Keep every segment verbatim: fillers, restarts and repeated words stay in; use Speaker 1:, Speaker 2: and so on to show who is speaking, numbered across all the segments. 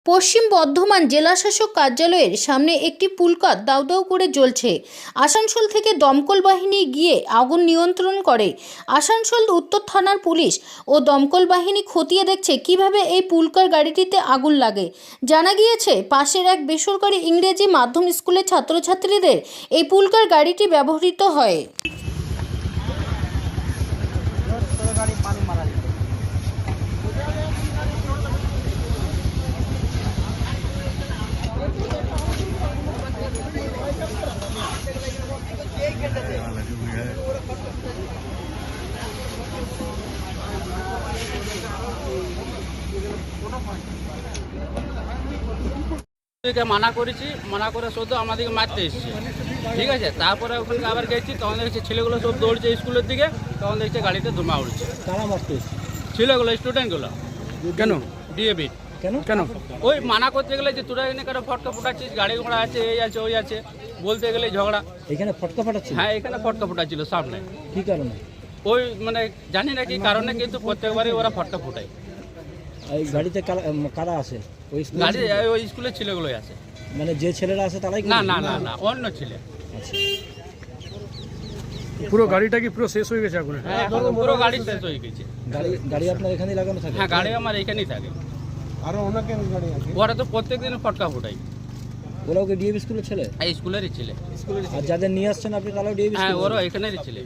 Speaker 1: পশ্চিম বর্ধমান জেলাশাসক কার্যালয়ের সামনে একটি পুলকাত দাউ দাউ করে জ্বলছে। আসানসোল থেকে দমকল বাহিনী গিয়ে আগুন নিয়ন্ত্রণ করে। আসানসোল উত্তর থানার পুলিশ ও দমকল বাহিনী খতিয়ে দেখছে কিভাবে এই পুলকার গাড়িটিতে আগুন লাগে। জানা গিয়েছে পাশের এক বেসরকারি ইংরেজি মাধ্যম স্কুলের ছাত্রছাত্রীদের এই পুলকার গাড়িটি ব্যবহৃত হয়।
Speaker 2: মানা করেছি, মানা করে শুধু আমাদেরকে মারতে এসেছে, ঠিক আছে। তারপরে ওখানে আবার গেছি, তখন দেখছি ছেলেগুলো সব দৌড়ছে স্কুলের দিকে, তখন দেখছি গাড়িতে ধোঁয়া উঠছে।
Speaker 3: কারা মারতে এসেছে?
Speaker 2: ছেলেগুলো, স্টুডেন্টগুলো।
Speaker 3: কেন?
Speaker 2: ডিএবি।
Speaker 3: কেন কেন
Speaker 2: ওই মানা করতে গেলে যে তোরা এখানে কেন ফটকা ফোটাচ্ছিস, গাড়ি ঘোড়া আছে, এই আছে ওই আছে, বলতে গেলে ঝগড়া।
Speaker 3: এখানে ফটকা ফাটাচ্ছিল?
Speaker 2: হ্যাঁ, এখানে ফটকা ফোটাচ্ছিল সামনে।
Speaker 3: কি কারণে?
Speaker 2: ওই মানে জানি না কি কারণে, কিন্তু প্রত্যেকবারই ওরা ফটকা ফোটায়।
Speaker 3: এই গাড়িতে কারা কারা আছে? ওই স্কুল
Speaker 2: গাড়ি ওই স্কুলের ছেলেগুলোই আছে।
Speaker 3: মানে যে ছেলেরা আছে তারাই?
Speaker 2: না না না না অন্য ছেলে।
Speaker 3: আচ্ছা,
Speaker 4: পুরো গাড়িটা কি পুরো শেষ হয়ে গেছে আগুনে?
Speaker 2: হ্যাঁ, পুরো গাড়ি শেষ হয়ে গেছে।
Speaker 3: গাড়ি গাড়ি আপনার এখানেই লাগানো থাকে?
Speaker 2: হ্যাঁ, গাড়ি আমার এখানেই থাকে।
Speaker 5: আরো অনেকের গাড়ি আছে।
Speaker 2: ওরা তো প্রত্যেক দিন ফটকা ফোটাই।
Speaker 3: ওরাও কি ডিএবি স্কুলের ছেলে?
Speaker 2: এই স্কুলেরই ছেলে।
Speaker 3: আর যাদের নিয়ে আসছেন আপনি তারাও ডিএবি
Speaker 2: হ্যাঁ,
Speaker 3: স্কুল?
Speaker 2: ওরা এখানেরই ছেলে।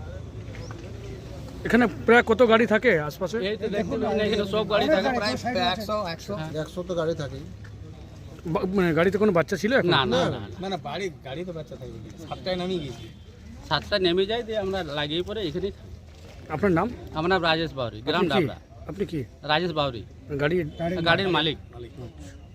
Speaker 4: এখানে প্রায় কত গাড়ি থাকে আশপাশে?
Speaker 2: এই তো দেখতে পাচ্ছেন এখানে সব গাড়ি থাকে, প্রায়
Speaker 5: একশো একশো একশো তো গাড়ি থাকে।
Speaker 4: বা- মানে গাড়িতে কোনো বাচ্চা ছিল এখন?
Speaker 2: না না না না।
Speaker 5: না না বাড়ি গাড়ি তো বাচ্চা থাকবে। সাতটায় নামিয়ে গেছি।
Speaker 2: সাতটা নেমে যায়, দিয়ে আমরা লাগিয়ে পরে এখানেই।
Speaker 4: আপনার নাম?
Speaker 2: আমার নাম রাজেশ বাউরি, গ্রাম
Speaker 4: আপনি কি?
Speaker 2: ডাবরা।
Speaker 4: আপনি কি
Speaker 2: রাজেশ বাউরি,
Speaker 4: গাড়ি
Speaker 2: গাড়ির মালিক।